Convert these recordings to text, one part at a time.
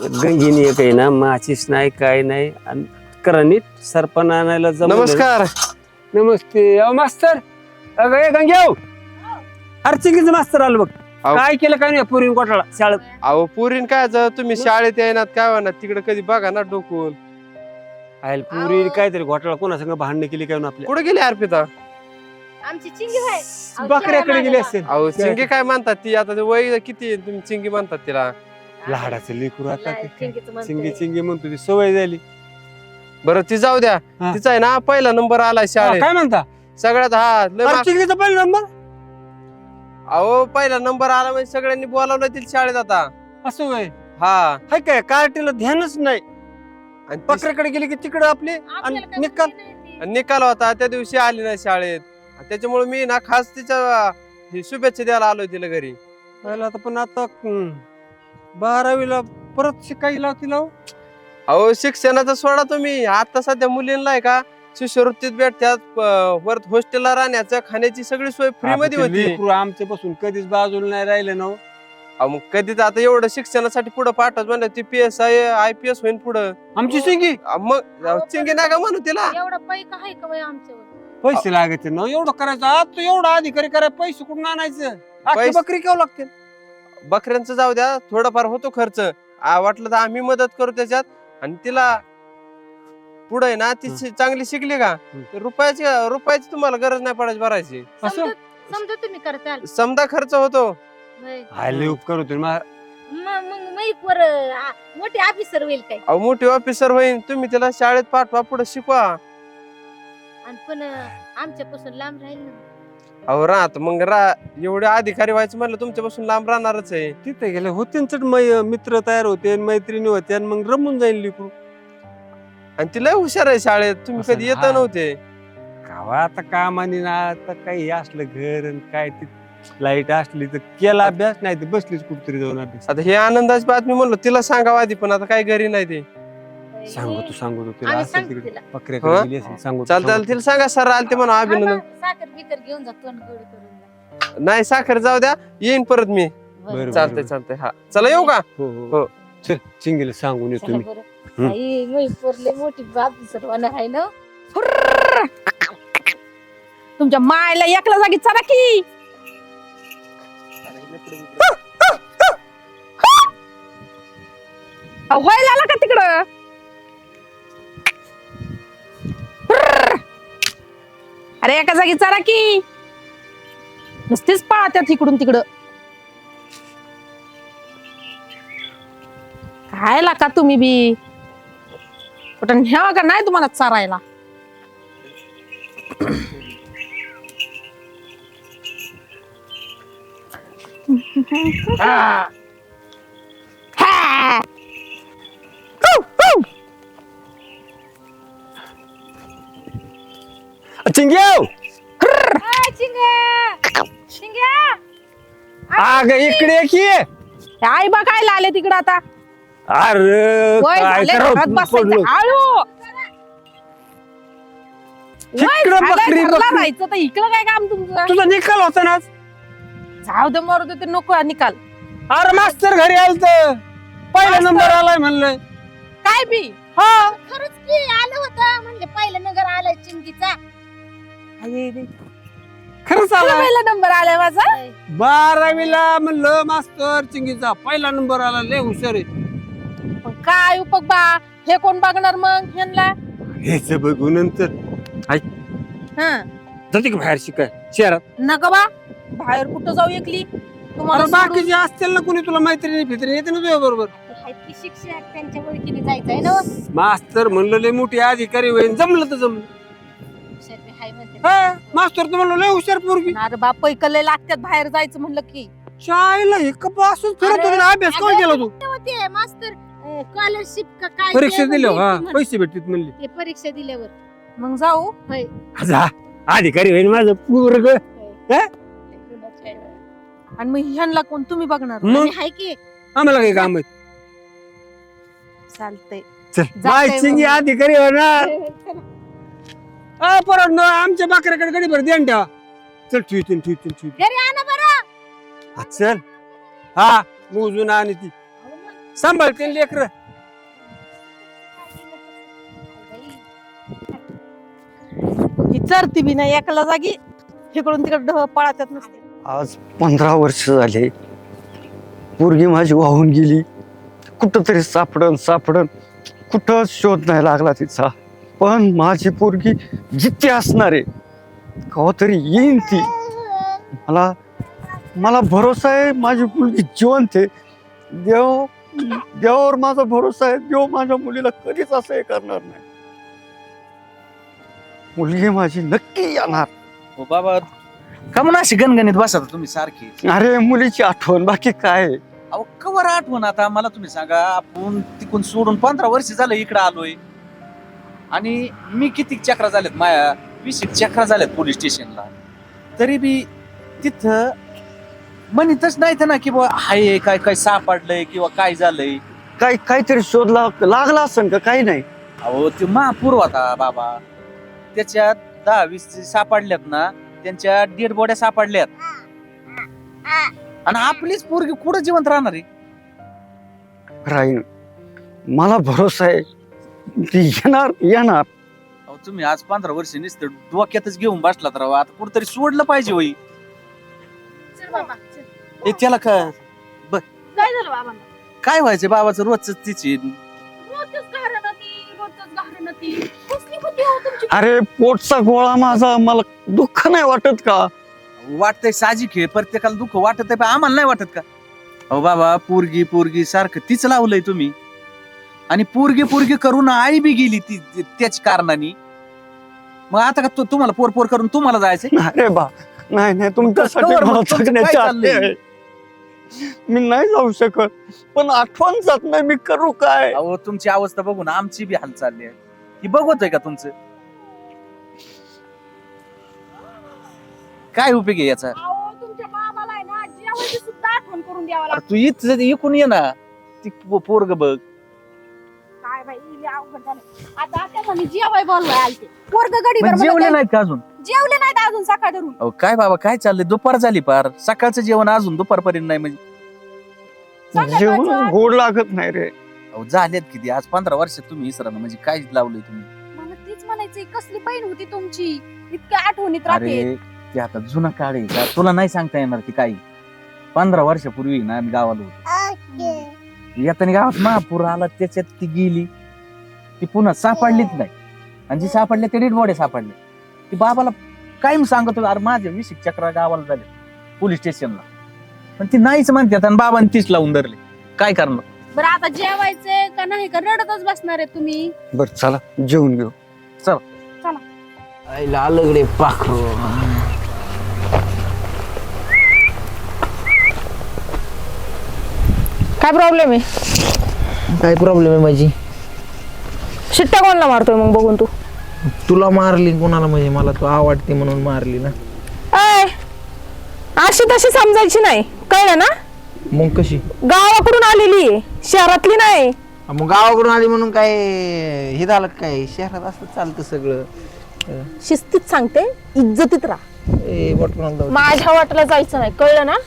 गंगीनी एक आहे ना, माचीस नाही काय नाही आणि करणीत सरपण आणायला जमलं. नमस्कार. नमस्ते. अहो मास्तर, अगं ए गंग्याव, अर्चिकीचं मास्तर आलं बघ. अहो. काय केलं काय नाही पुरी घोटाळा शाळेत. अहो पुरीन काय तुम्ही शाळेत येणार काय होणार तिकडे कधी बघा ना डोकून. आयल पुरी काहीतरी घोटाळा कोणा संग भांडण केली काय आपल्या. कुठे गेली अर्पिता? आमची चिंगी आहे बकऱ्याकडे गेली असेल. अहो चिंगी काय म्हणतात ती आता ते वय किती आहे, तुम्ही चिंगी म्हणतात तिला. लाडाचं लेकरू आता ते. चिंगीचं म्हणतोय. चिंगी चिंगी म्हणतो ती सवय झाली. बरं ती जाऊ द्या. हा. तिचा आहे ना पहिला नंबर आलाय शाळेत काय म्हणता सगळ्यात. हा लय अर्चिकीचा पहिला नंबर अहो पहिला नंबर आला म्हणजे सगळ्यांनी बोलावलं तिला शाळेत आता. असं होय. हा हाय काय कार्टीला ध्यानच नाही. आणि ती- बकऱ्याकडे गेली की तिकडे आपले आपल्याला आणि काय निकाल. माहिती नाही ती. आणि निकाल होता त्या दिवशी आली नाही शाळेत. त्याच्यामुळे मी ना खास तिच्या ही शुभेच्छा द्यायला आलोय तिला घरी. पहिला आता पण आता 12वीला परत शिकायला लावती लाव. अहो शिक्षणाचा सोडा तुम्ही. आता सध्या मुलींना आहे का शिष्यवृत्तीत भेटतात, परत हॉस्टेलला राहण्याचं खाण्याची सगळी सोय फ्री मध्ये होती. आमच्या पासून कधीच बाजूला नाही राहिलं ना हो. अहो, मग कधीच आता एवढं शिक्षणासाठी पुढे पाठवत म्हणलं ती PSI IPS होईल पुढं. आमची सिंगी मग चिंगी नका म्हणू तिला. एवढा पैका आहे का बाई आमच्यावर? पैसे लागायचे ना एवढं करायचं. आज तू एवढा अधिकारी करायला पैसे कुठून आणायचं. आखी पैसे- बकरी केव्हा लागते. बकऱ्यांचं जाऊ द्या, थोडाफार होतो खर्च. वाटलं तर आम्ही मदत करू त्याच्यात. आणि तिला पुढे ना ती चांगली शिकली का तर रुपयाची तुम्हाला गरज नाही पडायची भरायची. असं समजा तुम्ही करताल समजा खर्च होतो. होय. हायले उपकार होते मग मैकवर मोठे ऑफिसर होईल काय? अहो मोठी ऑफिसर होईल. तुम्ही तिला शाळेत पाठवा, पुढे शिकवा. आणि पण आमच्यापासून लांब राहील ना. अहो राहत मग एवढे अधिकारी व्हायचं म्हणलं तुमच्यापासून लांब राहणारच आहे. तिथे गेले होते मित्र तयार होते मैत्रिणी होते आणि मग रमून जाईल लिकरू. आणि ती लय हुशार आहे शाळेत. तुम्ही असं कधी येत हा. नव्हते. गावा आता कामानी ना आता काही असलं घर आणि काय ती लाईट असली तर केला अभ्यास नाही तर बसलीच कुठतरी जाऊन अभ्यास. आता हे आनंदाची बातमी म्हणलं तिला सांगावं आधी, पण आता काय घरी नाही ते. सांगतो तिला आम्ही असेल सांगतो तिकडे तिला. बकऱ्याकडे हा? गेली असेल सांगतो. चालतं तिला सांगा सर आलते म्हणा अभिनंदन. साखर बिकर घेऊन जा तोंड गोड करून जा. नाही साखर जाऊ द्या, येईन परत मी. बरं. चालतंय चालतंय. हा चला येऊ का? हो हो. हो चल चिंगीला सांगून येतो चला मी. बरं. हम्म. आई, मैकवरले मोठी बाप सर्वांना आहे ना. तुमच्या मायला एकला जागी चला की. व्हायला आला का तिकडं. अरे एका जागी चला की. नुसतीच पळत्यात इकडून तिकडं. काय का तुम्ही बी कुठं न्यावा का नाही तुम्हाला चारायला. हा. चिंग्याव अग इकडे की. आई बा काय आले तिकडं आता. अरे वय काय झाले करावं, घरात बसायचं. पडलो. आळू. वय इकडं झालंय बकरी, घरला बकरी. राहायचं तर इकडं काय काम तुमचं. तुझा निकाल होता ना आज? जाऊ दे मरू दे ते नको निकाल. अरे मास्तर घरी आलत पहिला मास्तर? नंबर आलाय म्हणलं. काय बी हा खरंच की आलं होतं म्हणजे पहिलं नगर आलाय चिंगीचा. खरंच आला. पहिला नंबर आलाय माझा. 12वीला म्हणलं मास्तर चिंगीचा पहिला नंबर आला. लय हुशार आहे. मग काय उपक बा हे कोण बघणार मग ह्यांना. हेच बघू नंतर हं. जाते की बाहेर शिकाय शहरात. नका बा बाहेर कुठं जाऊ एकली तुम्हाला अरे सोडून. बाकीचे असतील ना कुणी तुला मैत्रिणी फित्रिणी येते ना तुझ्या बरोबर. आहेत ती शिक्षक त्यांच्या ओळखीने जायचंय ना. मास्तर म्हणलं लय मोठी अधिकारी होईल. जमलं तर जमलं. हुशार बी हाय म्हणते. हा, मास्तर तर म्हणलं लय हुशार पोरगी. अरे बा पैकले लागतात बाहेर जायचं म्हणलं की. शाळेला हे कपा असं फिरत अरे, होती ना. अभ्यास काय केला तू. ते मास्तर स्कॉलरशिप का काय परीक्षा ते दिल्या हा म्हणते. पैसे भेटतील म्हणले. ते परीक्षा दिल्यावर मग जाऊ. होय. जा अधिकारी होईल माझं पोरग. आणि मग ह्यांना कोण तुम्ही बघणार. मग आणि हाय की आम्हाला काही काम आहे. चालतंय. चल जाते बाय चिंगी मग. अधिकारी होणार. परत न आमच्या बाकऱ्याकडे गडी भर ध्यान ठेवा. चल ठेवतील घरी आणा बरं. चल हा मोजून आणि ती सांभाळते लेकर. चरती बी नाही एकाला जागी इकडून तिकडे पळातात नसते. आज 15 वर्ष झाले पोरगी माझी वाहून गेली. कुठंतरी सापडन कुठं शोध नाही लागला तिचा. पण माझी पोरगी जिथे असणार आहे कवा तरी येईन ती. मला भरोसा आहे माझी मुलगी जिवंत आहे. देवावर माझा भरोसा आहे. देव माझ्या मुलीला कधीच असं हे करणार नाही. मुलगी माझी नक्की येणार. हो बाबा, का म्हणून अशी गणगणित बसा तुम्ही सारखी? अरे मुलीची आठवण, बाकी काय. अहो कवर आठवण आता मला तुम्ही सांगा. आपण तिकून सोडून 15 वर्ष झालं इकडे आलोय आणि मी किती चक्रा झाल्यात, माया 20 चक्रा झाल्यात पोलीस स्टेशनला, तरी बी तिथं म्हणतच नाही ना की बाबा हाय काय काय सापडलंय किंवा काय झालंय. काहीतरी शोध लागला असेल का? काही नाही. अहो ते महापूर होता बाबा, त्याच्यात 10-20 सापडल्यात ना, त्यांच्या डेड बॉड्या सापडल्यात आणि आपलीच पोरगी कुठं जिवंत राहणार आहे? राहीन, मला भरोसा आहे ती येणार. अहो तुम्ही आज 15 वर्ष नुसतं डोक्यातच घेऊन बसलात राव. आता कुठतरी सोडलं पाहिजे होई. चल बाबा चल. हे त्याला काय काय झालं बाबा? काय व्हायचं बाबाचं रोजच तिची? रोजच घारण ती कसली होती हो तुमची? अरे पोटचा गोळा माझा, मला दुःख नाही वाटत का? वाटतंय साहजिक आहे, प्रत्येकाला दुःख वाटत आहे, पण आम्हाला नाही वाटत का? अहो बाबा पोरगी सारखं तीच लावलंय तुम्ही. आणि पोरगी करून आई बी गेली ती त्याच कारणाने. मग आता का तुम्हाला पोर करून तुम्हाला जायचंय? अरे बा, नाही तुमच्यासाठी कवर मग मला तुमचं जगण्याची काय आशा चाललंय? आहे. मी नाही जाऊ शकत, पण आठवण जात नाही. मी करू काय? अहो तुमची अवस्था बघून आमची बी हाल चालली आहे. ही बघतोय का तुमचं? काय उपयोग आहे याचा? अहो, तुमच्या बाबाला आहे ना जेवायची सुद्धा आठवण करून द्यावं लागतं. अरे तू इथं इकून ये ना, ती पोरग बघ. काय बाई लय अवघड झालं. आता त्याला मी जेवाय बोलवाय आलते. पोरग गडीवर मग जेवले नाहीत का अजून? जेवले नाहीत अजून सकाळ धरून. अहो काय बाबा काय चाललंय? दुपार झाली पार, सकाळचं जेवण अजून दुपारपर्यंत नाही म्हणजे? जेवण गोड लागत नाही रे. अहो झालेत किती आज 15 वर्षात तुम्ही इसरा म्हणजे काय लावलंय तुम्ही? मला तीच म्हणायचंय कसली बहीण होती तुमची, इतक्या आठवणीत राहते. अरे ते आता जुना काळ आहे का, तुला नाही सांगता येणार ती काही. 15 वर्षापूर्वी ना आम्ही गावाला होतो. येताना गावात महापूर आला, त्याच्यात ती गेली. ती पुन्हा सापडलीच नाही. आणि जी सापडली ते डेड बॉडी सापडली. ती बाबाला काय सांगत होतं, अरे माझ्या 20 चक्रा गावाला झाले पोलीस स्टेशनला, पण ती नाहीच म्हणतात आणि बाबांनी तीच लावून धरले. काय करणार? बरं आता जेवायचंय का नाही का रडतच बसणार आहे तुम्ही? बर चला जेवून घेऊ. आईला अलगडे पाखरू. काय प्रॉब्लेम आहे? काय प्रॉब्लेम आहे माझी? शिट्ट्या कोणाला मारतोय मग बघून तू? तुला मारली कोणाला? म्हणजे मला तू आवडते म्हणून मारली ना. अशी तशी समजायची नाही, कळलं ना? मग कशी? गावाकडून आलेली आहे, शहरातली नाही. मग गावाकडून आली म्हणून काय हे झालं काय? शहरात असं चालतं सगळं. शिस्तीत सांगते, इज्जतीत राहा. ए बटन माझ्या वाटेला जायचं नाही, कळलं ना?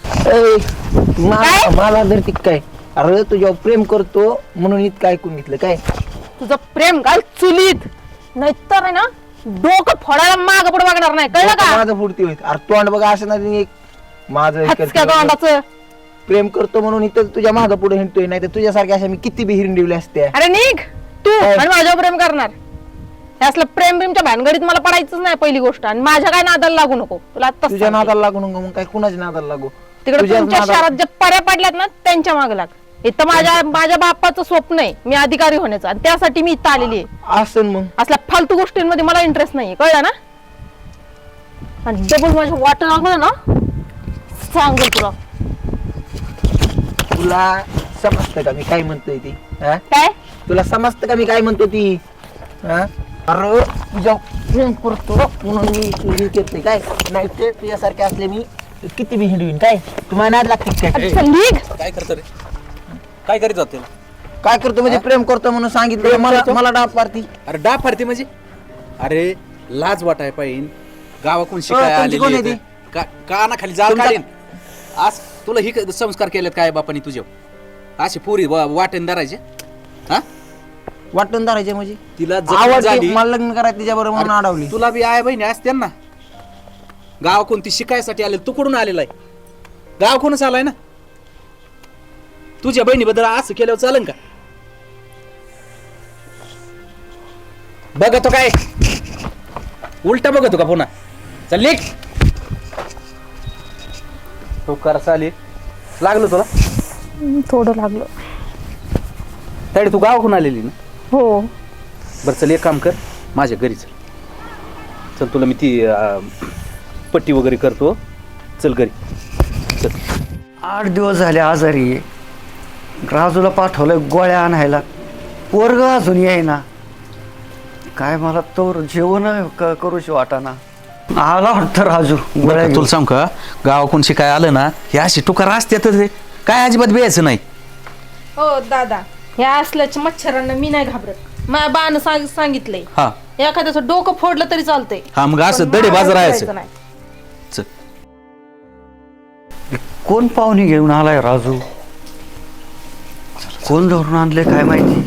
मला धरती काय? अरे तुझ्यावर प्रेम करतो म्हणून इतकं ऐकून घेतलं काय? तुझं प्रेम घाल चुलीत, नाहीतर आहे ना डोकं फोडायला माग पुढे बघणार नाही, कळलं का? माझं फुडती होईल. अरे तोंड बघा असं नाही एक माझं हे हचक्या करतो. तोंडाचं. प्रेम करतो म्हणून इथं तुझ्या मागं पुढे हिंडतोय, नाही तर तुझ्यासारख्या अशा मी किती बी हिरंडिवल्या असत्या. अरे निघ तू काय? आणि माझ्यावर प्रेम करणार. हे असलं प्रेम बिमच्या भानगडीत मला पडायचंच नाही पहिली गोष्ट. आणि माझ्या काय नादाला लागू नको, तुला आता तुझ्या नादाला लागू नको. मग काय कुणाच्या नादाला लागू? तिकडे तुझ्याच तुमच्या नादाला- शहरात ज्या पर्या पडल्यात ना त्यांच्या मागे लाग. इथं माझ्या बाप्पाचं स्वप्न आहे मी अधिकारी होण्याचं, आणि त्यासाठी मी इथं आलेली आहे. असं मग असल्या फालतू गोष्टींमध्ये मला इंटरेस्ट नाहीये, कळलं ना? आणि डबल माझ्या वाटण लागलं ना सांगेल तुला. तुला समजतं का मी काय म्हणतोय ती? हा? काय तुला समजतं का मी काय म्हणतो ती? हा? अरे तुझ्या प्रेम करतो म्हणून मी तुझी करते काय? नाही ते तुझ्यासारखे असले मी किती बी हिंडवीन काय? तुम्हाला नाद लागते काय? अरे चल निघ. काय करतो रे? काय करीत होते? काय करतो म्हणजे प्रेम करतो म्हणून सांगितलं मला डाप मारती. अरे डाप फारती म्हणजे? अरे लाज वाटाय पाहिजे. गावाकडून तुमची शिकाय कोण आहे आलेली ती? काना खाली जाळ तुमचा- काढीन. आज तुला ही संस्कार केलेत काय बापानी तुझ्या? असे पुरी वाटेन धरायचे? हा वाटून धरायचे म्हणजे तिला जखम आवडते झाली. मला लग्न करायचं तिच्याबरोबर म्हणून अडवली. तुला बी आई बहिणी असते ना, गाव कोणती शिकायसाठी आले, तू कुठून आलेला आहे? गाव कोणच आलाय ना, तुझ्या बहिणीबद्दल असं केल्यावर चालेल का? बघतो काय उलटा बघतो का पुन्हा? चल निघ. तो कर चालेल. लागलो तुला थोडं लागलं. तरी तू गावाकडून आलेली ना? हो. बरं चल एक काम कर, माझ्या घरी चल. चल तुला मी ती पट्टी वगैरे करतो. चल घरी चल. 8 दिवस झाले आजारी आहे. राजूला पाठवलं गोळ्या आणायला, पोरग अजून येईना. काय मला तो जेवण करूशी वाटाना. आला वाटतं राजू गोळ्या तुला सांग का, गावाकडून शिकाय आलं ना, हे अशी टुकार असत्यातच रे, काय अजिबात बियायचं नाही. हो दादा, ह्या असल्याच्या मच्छरांना मी नाही घाबरत. माझ्या बाण सांगितलंय, हा एखाद्याचं डोकं फोडलं तरी चालतंय. हा मग असं पण दडे मला बाजार करायचं राहायचं. नाही. चल. कोण पाहुणे घेऊन आलाय राजू? कोण धरून आणले काय माहिती?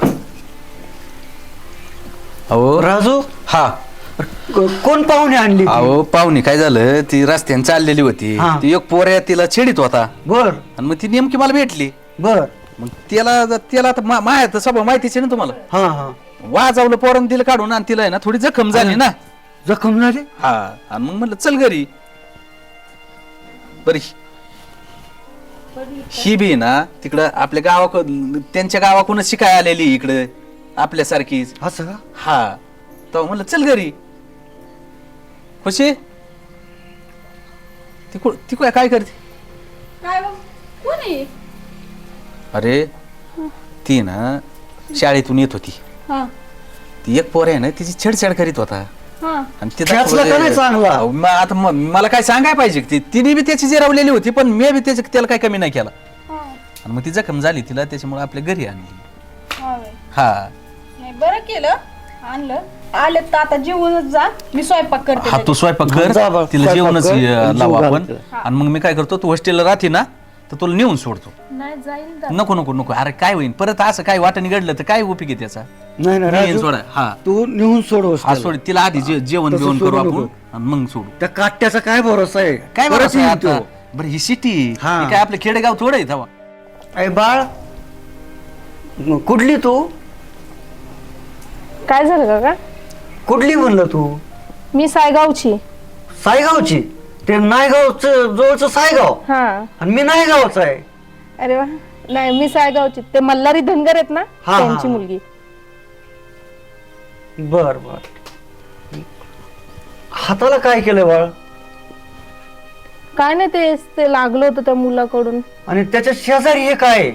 अहो राजू हा कोण पाहुणे आणली? अहो पाहुणे काय झालं, ती रस्त्याने चाललेली होती, हा. ती एक पोऱ्या तिला छेडीत होता बर आणि मग ती नेमकी मला भेटली. बर. मग त्याला आता माहिती स्वभाव माहितीच आहे ना तुम्हाला. हा हा. वाजवलं पोरानं तिला काढून आणि तिला आहे ना थोडी जखम झाली ना. जखम झाली? हा आणि मग म्हणलं चल घरी. बरी ही बी ना तिकडं आपल्या गावाकडून, त्यांच्या गावाकडूनच शिकाय आलेली इकडं आपल्यासारखीच. असं का? हा तर म्हणलं चल घरी. खुशी ती काय करते? काय बघ, कोण आहे? अरे ती ना शाळेतून येत होती, हा ती एक पोर आहे ना तिची छेडछाड करीत होता हा आणि ते खेचला का नाही चांगला? अहो, आता मला काय सांगाय पाहिजे की तिने बी त्याची जिरवलेली होती, पण मी बी त्याला काय कमी नाही केला. हा. आणि मग ती जखम झाली तिला, त्याच्यामुळे आपल्या घरी आणली. हा व्हय. हा नाही, बरं केलं आणलं. आले तर आता जेवूनच जा, मी स्वयंपाक करते. हा तू स्वयंपाक जा कर, बा, तिला स्वयंपाक जेवणच कर, लावू जेवू आपण. घालते. आणि मग मी काय करतो, तू हॉस्टेलला राहते ना तर तुला नेऊन सोडतो. नाही जाईल दादा. नको नको नको, अरे काय होईल परत असं काय वाटणी घडलं तर काय उपयोग आहे त्याचा? नाही ना मी येईन राजू, सोडा. हा तू नेऊन सोड हा hostel. सोड तिला आधी जेवण तसं बिवण करू सोडू आपण नको. आणि मग सोडू. त्या काट्याचा काय भरोसा आहे? काय परत बरं येईल आता तो. बरं ही सिटी हा. काय आपलं खेडेगाव थोडं आहे तेव्हा. अय बाळ, कुठली तू? काय झालं काका? कुठली म्हणलं तू? मी सायगावची. सायगावची? ते नायगावचं जवळचं सायगाव, हा. आणि मी नायगावचा आहे. अरे वा. नाही, मी सायगावची. ते मल्हारी धनगर आहेत ना, हा, त्यांची हा. मुलगी. बर बर. हाताला काय केलं बाळ? काय नाही, ते लागलं होतं त्या मुलाकडून. आणि त्याच्या शेजारी हे काय?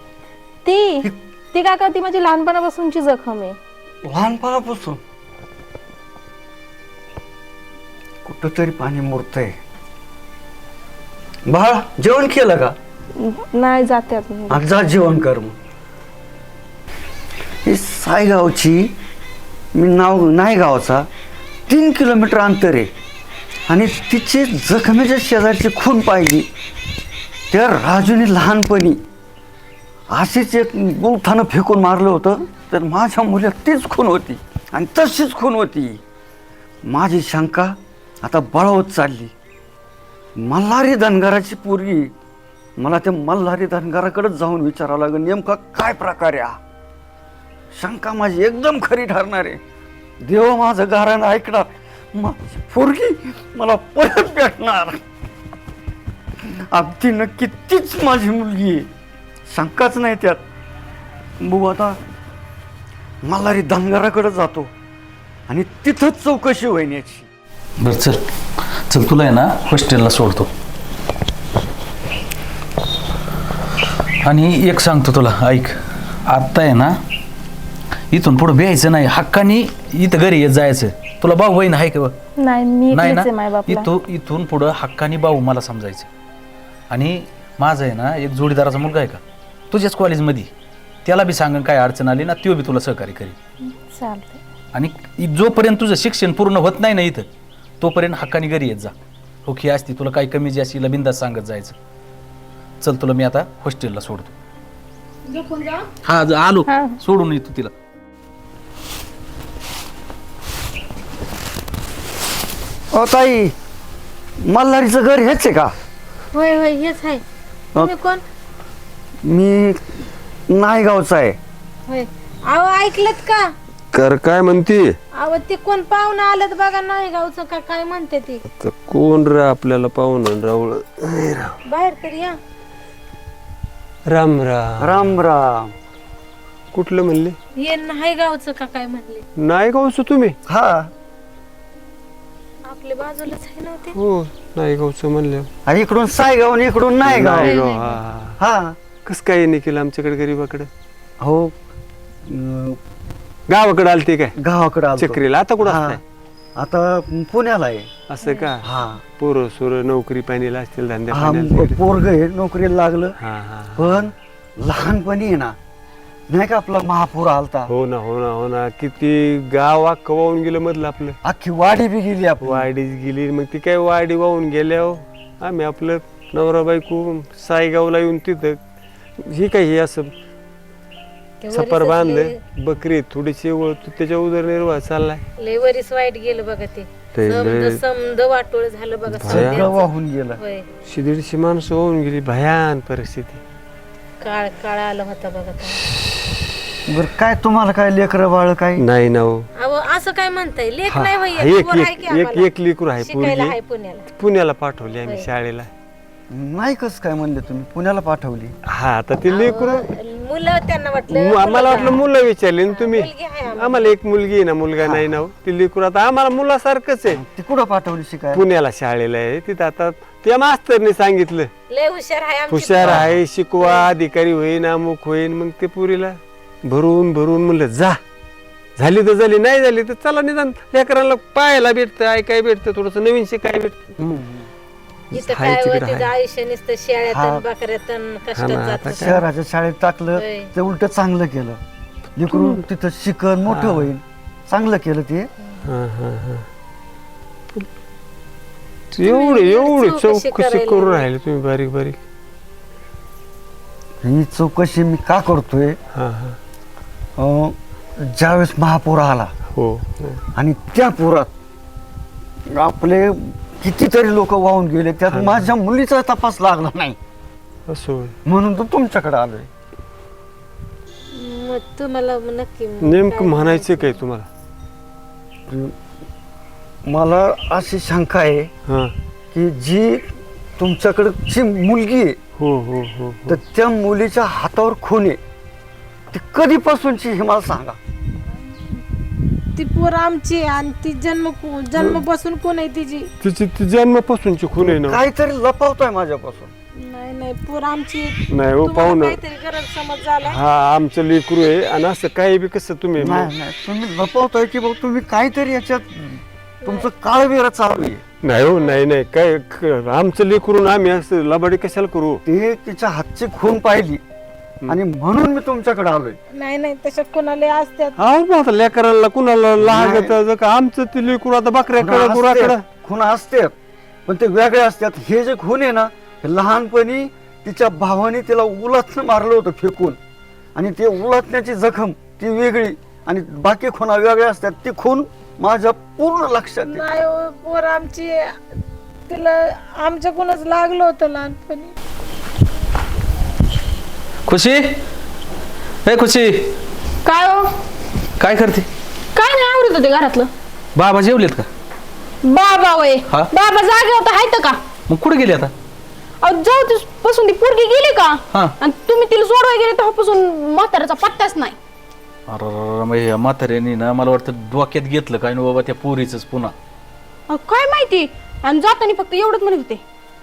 ती काका, ती माझी लहानपणापासूनची जखम आहे. लहानपणापासून कुठं तरी पाणी मुरतंय. बाळ, जेवण केलं का? नाही, जाते आता. आज जा जेवण कर. मग ही सायगावची, मी नाव नाही गावाचा, 3 किलोमीटर अंतर आहे. आणि तिचे जखमेच्या शेजारची खून पाहिली. त्या राजूने लहानपणी अशीच एक बोलताना फेकून मारलं होतं, तर माझ्या मुलात तीच खून होती आणि तशीच खून होती. माझी शंका आता बळावत चालली. मल्हारी धनगराची पोरगी, मला त्या मल्हारी धनगराकडेच जाऊन विचारावं लागेल नेमका काय प्रकार आहे. शंका माझी एकदम खरी ठरणार आहे. देव माझं गारानं ऐकणार, माझी पोरगी मला परत भेटणार. अगदी नक्की तीच माझी मुलगी आहे, शंकाच नाही त्यात. बघू आता मल्हारी धनगराकडे जातो आणि तिथंच चौकशी होईन याची. बरं चल चल, तुला आहे ना हॉस्टेलला सोडतो. आणि एक सांगतो तुला, ऐक, आत्ता आहे ना इथून पुढे भ्यायचं नाही, हक्कानी इथं घरी येत जायचं. तुला भाऊ बहीण आहे का? नाही, मी नाही ना, एकलीच आहे मायबापला. इथून पुढं हक्कानी भाऊ मला समजायचं. आणि माझं आहे ना एक जोडीदाराचा मुलगा आहे का तुझ्याच कॉलेजमध्ये, त्याला बी सांगन काय अडचण आली ना, तो बी तुला सहकार्य करेल. चालतंय. आणि जोपर्यंत तुझं शिक्षण पूर्ण होत नाही ना इथं, तोपर्यंत हक्कानी घरी येत जा. हो की असती तुला काही कमी जास्तीला बिंदास सांगत जायचं. चल तुला मी आता हॉस्टेलला सोडतो. झोपून जा. हा आलो, हा. सोडून येतो तिला. अ ताई मल्हारीचं घर हेच आहे का? होय होय हेच आहे. तुम्ही कोण? मी नायगावचा आहे. होय. अहो ऐकलत का? कर काय म्हणते? अहो ते कोण पाहुणं आलं बघा नाही गावचं का काय म्हणते ती. कोण रे आपल्याला पाहून रावळ? बाहेर तरी या. राम राम. राम राम. कुठलं म्हणले? हे नाही गावचं का काय म्हणले. नाही गावचं तुम्ही? हा आपल्या बाजूलाच आहे नव्हते. हो नाही गावचं म्हणलं. आणि इकडून सायगाव आणि इकडून नायगाव. नायगाव, हा. हा कस काय नाही केलं आमच्याकडे गरीबाकडे? हो गावाकडे आलते काय? गावाकडे आलतो. चक्रीला. आता कुठं हा. असताय? आता पुण्याला आहे. असं का? हा पोरं सोरं नोकरी पाणीला असतील, धंद्या हा पाण्याला तिकडे. पोरग आहे नोकरीला लागलं. हा हा. पण लहानपणी आहे ना नाही का आपला महापूर आलता. हो ना हो ना हो ना. किती गाव वाहून गेलं मधलं आपलं. अख्खी वाडी बी गेली आपली. वाडीच गेली. मग ती काय वाडी वाहून गेल्यावर आम्ही आपलं नवरा बायको साईगावला येऊन तिथं ही काय हे असं छपर बांधलं, बकरी थोडीशी वळतो त्याच्या उदरनिर्वाह चाललाय. लय वरीस वाईट गेलं बघा ते. समद वाटोळ झालं बघा. सगळं वाहून गेलं. होय. 150 माणसं होऊन गेली. भयान परिस्थिती. काळ काळ आला होता बघा. बर काय तुम्हाला काय लेकरं बाळ काय? नाही ना हो. अहो असं काय म्हणताय लेख हा, नाही हा, होय. एक एक लेकरू आहे. शिकायला आहे पोरगी पुण्याला. पुण्याला पाठवली आम्ही होय. शाळेला. नाही कस काय म्हणले तुम्ही पुण्याला पाठवली? हा आता ते लेकरू मुलं त्यांना वाटलं आम्हाला वाटलं मुलं विचारले ना तुम्ही. मुलगी आहे आम्हाला. आम्हाला एक मुलगी आहे ना, मुलगा नाही ना हो. ती लेकरू आता आम्हाला मुलासारखंच आहे. ती कुठं पाठवली शिकाय? पुण्याला शाळेला आहे. तिथं आता त्या मास्तरने सांगितलं लय हुशार आहे आमची हुशार आहे, शिकवा, अधिकारी होईन, अमुक होईन. मग ते पुरीला भरून भरून म्हणलं जा. झाली तर झाली, नाही झाली तर चला निदान लेकरांना पाहायला भेटतं, ऐकाय भेटतं, थोडस नवीन शिकाय भेटतं. इथं हाय काय तिकडं होतं हाय. आयुष्य नुसतं शेळ्यातन बकऱ्यातन कष्टात हा ना, जात आता होतं. शहराच्या शाळेत टाकलं होय. ते उलट चांगलं केलं. लेकरू तिथं शिकन मोठं होईल. चांगलं केलं ते. हा, हा, हा. एवढे चौकशी चौकशी करायला करून राहिले तुम्ही बारीक बारीक. ही चौकशी मी का करतोय? हा हा. ज्यावेळेस महापूर आला हो हो. आणि त्या पुरात आपले कितीतरी लोक वाहून गेले, त्यात माझ्या मुलीचा तपास लागला नाही असं होय. म्हणून तो तुमच्याकडे आलोय. मग तुम्हाला नक्की नेमकं म्हणायचं काय तुम्हाला? मला अशी शंका आहे हा. की जी तुमच्याकडची मुलगी आहे हो हो हो तर त्या मुलीच्या हातावर खून आहे, ती कधीपासूनची हे मला सांगा. ती पोर आमची आणि ती जन्मपासून कोण आहे तिची? तिची ती जन्मापासूनची खून आहे ना. काहीतरी लपवतोय माझ्यापासून. नाही नाही पोर आमची. नाही हो तुम्हाला पाहुणं. काहीतरी गैरसमज झाला. हा आमचं लेकरू आहे आणि असं काही बी कसं तुम्ही नाही नाही तुम्ही लपवतोय की बघ तुम्ही काहीतरी याच्यात तुमचं काळवेर चालू आहे. नाही हो नाही नाही काय आमचं लेकरून आम्ही असं लबाडी कशाला करू? ते तिच्या हातची खून पाहिली आणि म्हणून मी तुमच्याकडे आलोय. नाही नाही तशा कोणाला असतात. हा मग आता लेकराला कुणाला लागत का आमचं ते लेकरू आता बकऱ्याकडे गुराकडे. खून असतात पण ते वेगळे असतात. हे जे खून आहे ना हे लहानपणी तिच्या भावाने तिला उलटणं मारलं होतं फेकून आणि ते उलटण्याची जखम ती वेगळी आणि बाकी खुणा वेगळ्या असतात. ती खून माझ्या पूर्ण लक्षात आहे. नाही हो, पोर आमची. तिला आमच्याकडूनच लागलं होतं लहानपणी. खुशी हे खुशी काय हो काय करते? काय नाही आवडत होते घरातलं. बाबा जेवलेत का? बाबा वय हा? बाबा जागे होता हायत का? मग कुठे गेले आता? अहो जाऊ पासून ती पोरगी गेली का हा. आणि तुम्ही तिला सोडवाय गेले तेव्हापासून म्हाताऱ्याचा पत्ताच नाही. अरे म्हाताऱ्याने ना मला वाटतं डोक्यात घेतलं काय ना बाबा त्या पोरीच पुन्हा. अहो, काय माहिती. आणि जाताना फक्त एवढंच म्हणत होते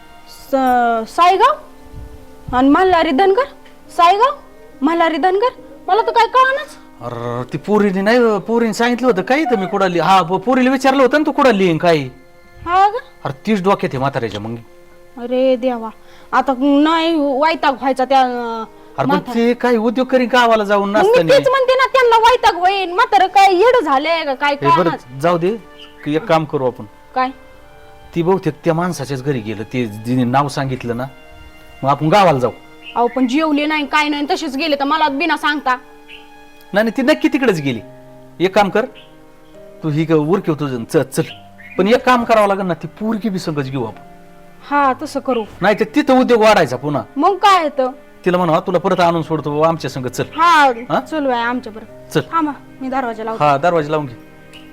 साईगाव आणि मल्हारी धनगर, साईगाव मल्हारी धनगर. मला तर काय कळानच. अरे ती पोरीने नाही पोरीने सांगितलं होतं काय तर मी कुडाली. हा पोरीला विचारलं होतं ना तू कुडाली काय? हा का? अरे तीच डोक्यात आहे म्हाताऱ्याच्या. मग अरे देवा आता नाही वैताग व्हायचा त्या अरे पण ते काय उद्योग करी गावाला जाऊन मग मी नसताना. तेच म्हणते ना त्यांना वैताग होईन. म्हातारं काय येड झालंय का काय हे बरं कळानच. जाऊ दे एक काम करू आपण. काय ती बहुतेक त्या माणसाच्याच घरी गेलं ते जिने नाव सांगितलं ना मग आपण गावाला जाऊ. अहो पण जेवले नाही काय नाही तसेच गेले तर मला बिना सांगता. नाही ती नक्की तिकडेच गेली. एक काम कर तू ही उरकेव तुझं चल चल पण एक काम करावं लागेल ना, ती पोरगी बी संगच घेऊ आपण. हा तसं करू. नाही तर तिथं उद्योग वाढायचा पुन्हा. मग काय येतं. तिला म्हणा तुला परत आणून सोडतो बाबा आमच्या संग, चल. हा चल बाय आमच्या बरोबर. चल. हा मी दरवाजा लावतो. हा दरवाजा लावून घे.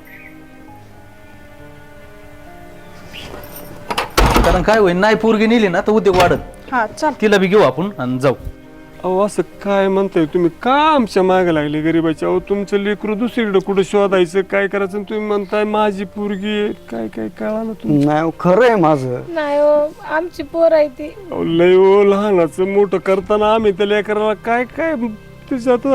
कारण काय होईल, नाही पोरगी नेली ना तर उद्योग वाढत. हा चल. तिला बी घेऊ आपण आणि जाऊ. अहो असं काय म्हणताय तुम्ही, का आमच्या मागे लागले गरीबाच्या? अहो तुमचं लेकरू दुसरीकडे कुठं शोधायचं, काय करायचं, आणि तुम्ही म्हणताय माझी पोरगी आहे. काय काय कळा ना तुम्ही. नाही खरं आहे माझं. नाही हो, आमची पोर आहे ती. अहो, लय ओ लहानाचं मोठं करताना आम्ही त्या लेकराला काय काय त्याच्यात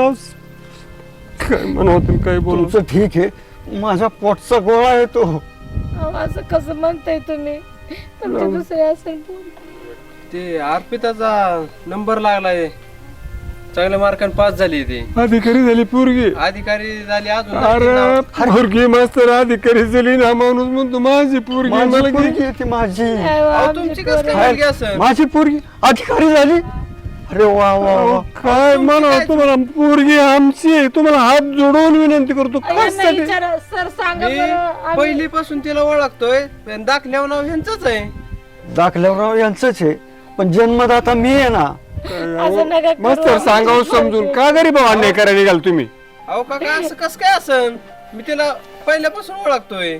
काय म्हणत काय बोलू. तुमचं ठीक आहे, माझ्या पोटचा गोळा आहे तो. अहो, असं कसं म्हणताय तुम्ही? तुमची दुसरी असेल पोर. ते अर्पिताचा नंबर लागलाय, चांगल्या मार्काने पास झाली ती, अधिकारी झाली पोरगी. अधिकारी झाली. अजून अरे पोरगी मास्तर अधिकारी झाली ना, माणूस म्हणतो माझी पोरगी. माझी मला पोरगी आहे ती माझी. अहो, तुमची कसं काय मुलगी असेल? माझी पोरगी अधिकारी झाली. अरे वा वा वा. काय म्हणा तुम्हाला, पोरगी आमची आहे. तुम्हाला हात जोडून विनंती करतो. यांना कशासाठी? विचारा सर, सांगा मी बरं. आम्ही- पहिलीपासून तिला ओळखतोय, पण दाखल्यावर नाव ह्यांचंच आहे. दाखल्यावर यांचंच आहे, पण जन्मदाता मी आहे ना. असं नका करू. मास्तर सांगावं समजून, का गरीब अन्याय करायला निघाल तुम्ही? अहो काका असं कसं काय असन? मी तिला पहिल्यापासून ओळखतोय.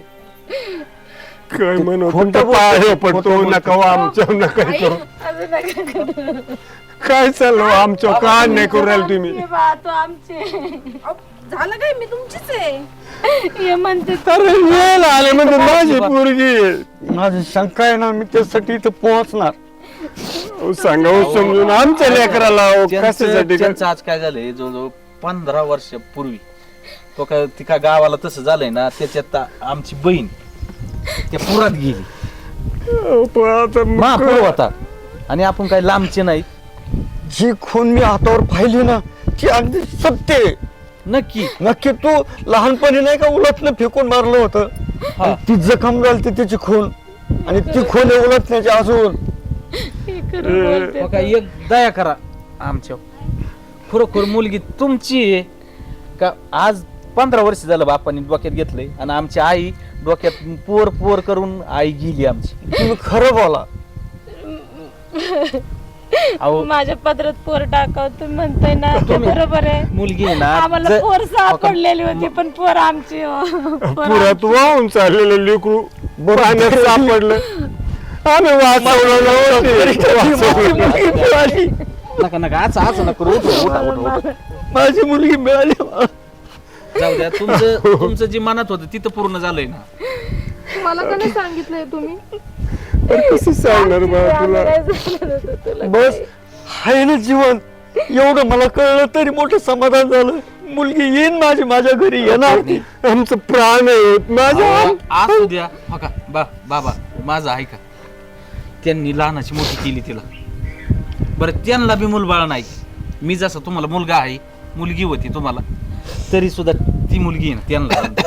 काय म्हणत खोटं तुमच्या बोलतो, पाया खोटं पडतो. बोलतो. नका हो, आमच्या नका करू. असं नका करू. काय चाललो आमच्या, का अन्याय करू राहिले तुम्ही? हे बा, तो आमचे. झालं काय, मी तुमचीच आहे. हे म्हणते अरे वेळ आले म्हणजे माझी पोरगी आहे. माझी शंका आहे ना, मी त्यासाठी इथं पोहोचणार. अहो, सांगावं समजून आमच्या लेकराला. अहो, कशासाठी? त्यांचं आज काय झालंय, जवळजवळ 15 वर्षापूर्वी तो काय ती का गावाला तसं झालंय ना, त्याच्यात आमची बहीण त्या पुरात गेली. अहो, पण आता मग महापूर होता आणि आपण काय लांबचे नाही. जी खून मी हातावर पाहिली ना, ती अगदी सत्य आहे. नक्की नक्की तू लहानपणी नाही का उलटनं फेकून मारलं होतं, आणि ती जखम झाली त्याची खून, आणि ती खून उलटण्याची अजून. हो का, एक दया करा आमच्या, खरोखर मुलगी तुमची आहे का? आज 15 वर्ष झालं बापांनी डोक्यात घेतलंय, आणि आमची आई डोक्यात पोर पोर करून आई गेली आमची. तुम्ही खरं बोला. अहो माझ्या पदरात पोर टाकाव तुम्ही म्हणताय ना, ते बरोबर आहे. मुलगी आहे ना, आम्हाला पोर सापडलेली होती, पण पोर आमची हो. पुरात वाहून चाललेलं लेकरू पाण्यात सापडलं. आम्ही वाचवलं नव्हते. नका नका असं नका करू. उठा, उठा, उठा. माझी मुलगी मिळाली मला. जाऊ द्या, तुमचं जे मनात होतं तिथं पूर्ण झालंय ना. मला का नाही सांगितलंय तुम्ही? कसं सांगणार बा तुला? बस आहे ना जीवन, एवढं मला कळलं तरी मोठं समाधान झालं. मुलगी येईन माझी, माझ्या घरी येणार. आमचं प्राण आहे माझ्या. असू द्या. हो का बाबा माझं आहे का, त्यांनी लहानाची मोठी केली तिला. बरं त्यांना बी मुलबाळ नाही. मी जसं तुम्हाला मुलगा आहे, मुलगी होती तुम्हाला, तरी सुद्धा ती मुलगी आहे ना त्यांना.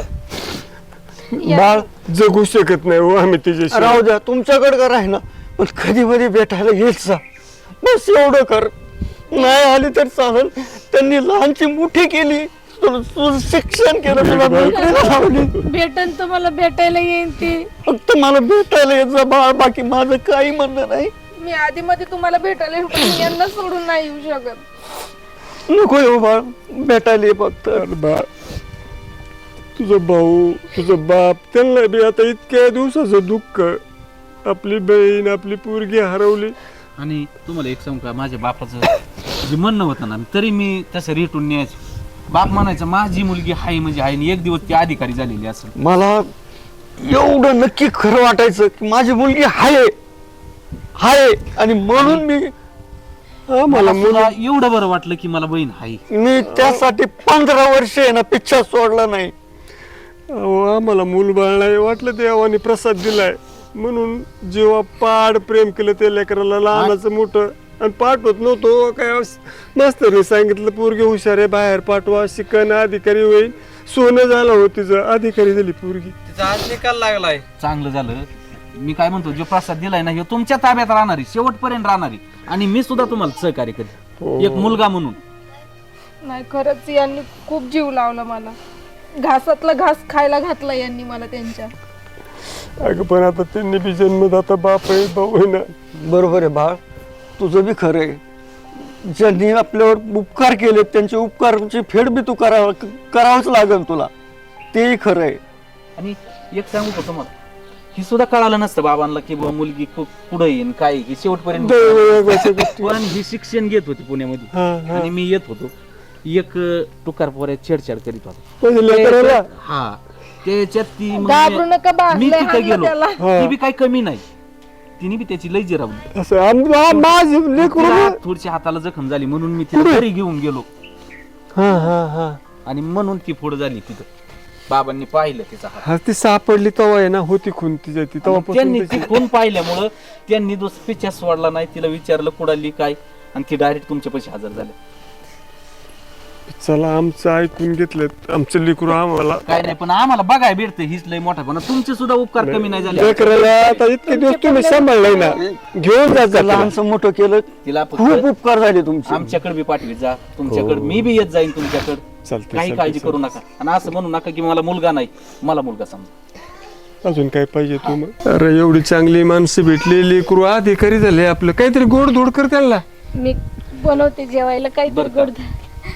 बाळ जगू शकत नाही हो आम्ही तिच्याशी. राहू द्या, तुमच्याकडे का राही ना, पण कधी कधी भेटायला येत जा. बस एवढं कर. नाही आली तर चालेल. त्यांनी लहानची मोठी केली, तुझं शिक्षण केलं, तुला नोकरीला लावली. भेटन तुम्हाला भेटायला येईन ती. फक्त मला भेटायला येत जा बाळ, बाकी माझं काही म्हणणं नाही. मी आधी मध्ये तुम्हाला भेटायला येईन, पण यांना सोडून नाही येऊ शकत. नको येऊ बाळ, भेटायला ये फक्त. अरे बाळ, तुझं भाऊ, तुझं बाप, त्यांना बी आता इतक्या दिवसाचं दुःख. आपली बहीण, आपली पोरगी हरवली. आणि तुम्हाला एक सांगू का, माझ्या बापाचं जे म्हणणं होतं ना, तरी मी तसं रेटून न्यायचं. बाप म्हणायचं माझी मुलगी हाय म्हणजे हाय, आणि एक दिवस ती अधिकारी झालेली असेल. मला एवढं नक्की खरं वाटायचं की माझी मुलगी हाय, आणि म्हणून मला सुद्धा एवढं बरं वाटलं की मला बहीण हाय. मी त्यासाठी 15 वर्ष आहे ना पिच्छा सोडला नाही. अहो, आम्हाला मूलबाळ नाही, वाटलं देवाने प्रसाद दिलाय म्हणून जेव्हा पाड प्रेम केलं त्या लेकराला, लहानाचं मोठं, आणि पाठवत नव्हतो. काय मास्तरने सांगितलं पोरगी हुशार आहे, बाहेर पाठवा, शिकण, अधिकारी होईल. सोनं झालं हो तिचं, अधिकारी झाली पोरगी. तिचा आज निकाल लागलाय. चांगलं झालं. मी काय म्हणतो, जो प्रसाद दिलाय ना, हे तुमच्या ताब्यात राहणारी, शेवटपर्यंत राहणारी, आणि मी सुद्धा तुम्हाला सहकार्य करेन एक मुलगा म्हणून. नाही खरंच यांनी खूप जीव लावला मला. घासातला घास खायला घातला यांनी मला त्यांच्या. अगं पण आता त्यांनी बी जन्मदाता बाप आहे, भाऊ आहे ना. बरोबर आहे बाळ, तुझं बी खरं आहे. ज्यांनी आपल्यावर उपकार केले त्यांचे उपकाराची फेड बी तू करावंच लागेल तुला, तेही खरं आहे. आणि एक सांगू का तुम्हाला, ही सुद्धा कळालं नसतं बाबांना की बुवा मुलगी पुढे येईन काय की शेवटपर्यंत. पण ही शिक्षण घेत होती पुण्यामध्ये आणि मी येत होतो. एक टुकार पोऱ्या छेडछाड करीत होता. हा त्याच्यात ती मग घाबरू नका बा, मी लय तिथे हाणलं गेलो, त्याला. ती बी काही कमी नाही, तिने बी त्याची लय जिरावली. असं माझं लेकरू तिला थोडीशी हाताला जखम झाली म्हणून मी तिला घरी घेऊन गेलो आणि म्हणून ती फोड झाली तिथं. बाबांनी पाहिलं तिचा हात. हा ती सापडली तेव्हा आहे ना, होती खून तिच्या ती त्यांनी ती तेव्हापासून खून पाहिल्यामुळं त्यांनी पिच्छा सोडला नाही. तिला विचारलं कुडाली काय, आणि ती डायरेक्ट तुमच्या पैसे हजर झाले. चला आमचं ऐकून घेतलं, आमचं लेकरू आम्हाला काय नाही, पण आम्हाला बघाय भेटतं हीच लय मोठा. पण तुमचे सुद्धा उपकार कमी नाही झाले. लेकराला आता इतके दिवस तुम्ही सांभाळलंय ना, घेऊन जा लहानसं मोठं केलं, तिला खूप उपकार झाले तुमचे. आमच्याकडे बी पाठवीत जा, तुमच्याकडे मी बी येत जाईन तुमच्याकडे. चालतंय, काही काळजी करू नका. आणि असं म्हणू नका की मला मुलगा नाही, मला मुलगा समजा. अजून काय पाहिजे तू मग? अरे एवढी चांगली माणसं भेटली, लेकरू अधिकारी झाले आपलं, काहीतरी गोडधोड कर त्यांना. मी बनवते जेवायला काहीतरी बरं का? गोड.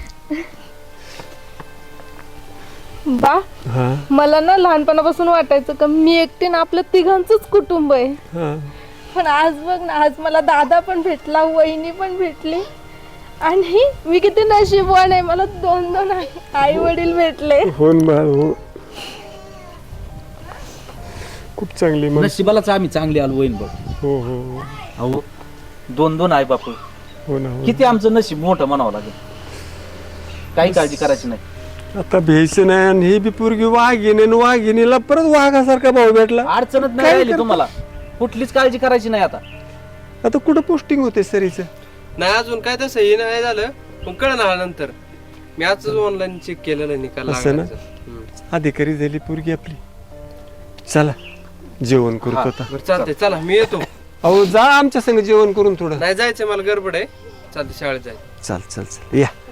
बा, हा मला ना लहानपणापासून वाटायचं का मी एकटीन आपलं तिघांचंच कुटुंब आहे. हा पण आज बघ ना, आज मला दादा पण भेटला, वहिनी पण भेटली, आणि मी किती नशीबवान आहे, मला 2 आई वडील भेटले. हो ना, हो खूप चांगली माणसं. नशिबालाच आम्ही चांगले आलो वहीन बघ. हो हो हो. अहो 2 आई बापू, हो ना, हो. किती आमचं नशीब मोठं म्हणावं लागेल. काही काळजी करायची नाही. आता भ्यायचं नाही. आणि ही बी पोरगी वाघिणी, आणि वाघिणीला परत वाघासारखा भाऊ भेटला. अडचणच नाही काय राहिली करता? तुम्हाला, कुठलीच काळजी करायची नाही आता. आता कुठं पोस्टिंग होते सरीचं? नाही अजून काय तसं हे नाही झालं, पण कळणार नंतर. मी आजच ऑनलाईन चेक केलेलं निकाल असं ना? लागण्याचं. अधिकारी झाली पोरगी आपली. चला जेवण करू आता. बरं चालतंय, चला मी येतो. अहो जा आमच्या संग जेवण करून थोडं. नाही जायचं, मला गडबड आहे. चालते, शाळेत जायचं. चल चल चल या.